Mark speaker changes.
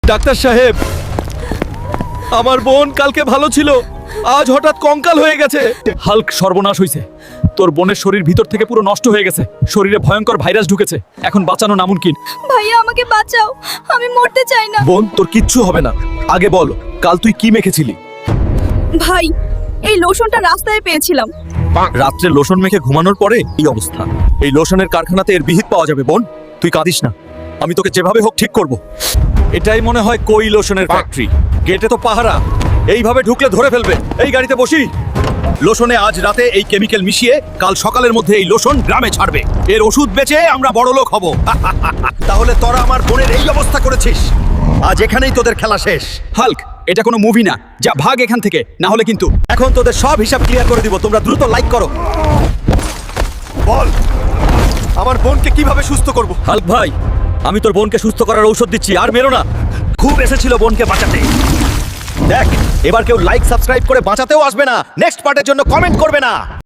Speaker 1: Doctor সাহেব, আমার বোন কালকে ভালো ছিল, আজ হঠাৎ কঙ্কাল হয়ে গেছে।
Speaker 2: হাল্ক, সর্বনাশ হইছে। তোর বোনের শরীর ভিতর থেকে পুরো নষ্ট হয়ে গেছে। শরীরে ভয়ঙ্কর ভাইরাস ঢুকেছে। এখন বাঁচানো নামুনকিন।
Speaker 3: ভাইয়া আমাকে বাঁচাও, আমি মরতে চাই না।
Speaker 1: বোন, তোর কিচ্ছু হবে না। আগে বল, কাল তুই কি মেখেছিলি?
Speaker 3: ভাই, এই লোশনটা রাস্তায় পেয়েছিলাম।
Speaker 1: রাত্রে লোশন মেখে ঘুমানোর পরে এই অবস্থা। এই লোশনের কারখানাতে এর বিহিত পাওয়া যাবে। বোন, তুই কাঁদিস না, আমি তোকে যেভাবে হোক ঠিক করব। এটাই মনে হয় কই লোশনের ফ্যাক্টরি। গেটে তো পাহারা, এইভাবে ঢুকলে ধরে ফেলবে। এই গাড়িতে বসি। লোশনে আজ রাতে এই কেমিক্যাল মিশিয়ে কাল সকালের মধ্যে এই লোশন গ্রামে ছাড়বে। এর ওষুধ বেচে আমরা বড় লোক হব। তাহলে তোরা আমার বোনের এই অবস্থা করেছিস, আজ এখানেই তোদের খেলা শেষ।
Speaker 2: হাল্ক, এটা কোনো মুভি না। যা ভাগ এখান থেকে, না হলে কিন্তু।
Speaker 1: এখন তোদের সব হিসাব ক্লিয়ার করে দিব। তোমরা দ্রুত লাইক করো। বল, আমার বোনকে কিভাবে সুস্থ করব?
Speaker 2: হাল্ক ভাই, আমি তোর বোনকে সুস্থ করার ঔষধ দিচ্ছি, আর মেরো না।
Speaker 1: খুব এসেছিল বোনকে বাঁচাতে। দেখ, এবার কেউ লাইক সাবস্ক্রাইব করে বাঁচাতেও আসবে না, নেক্সট পার্টের জন্য কমেন্ট করবে না।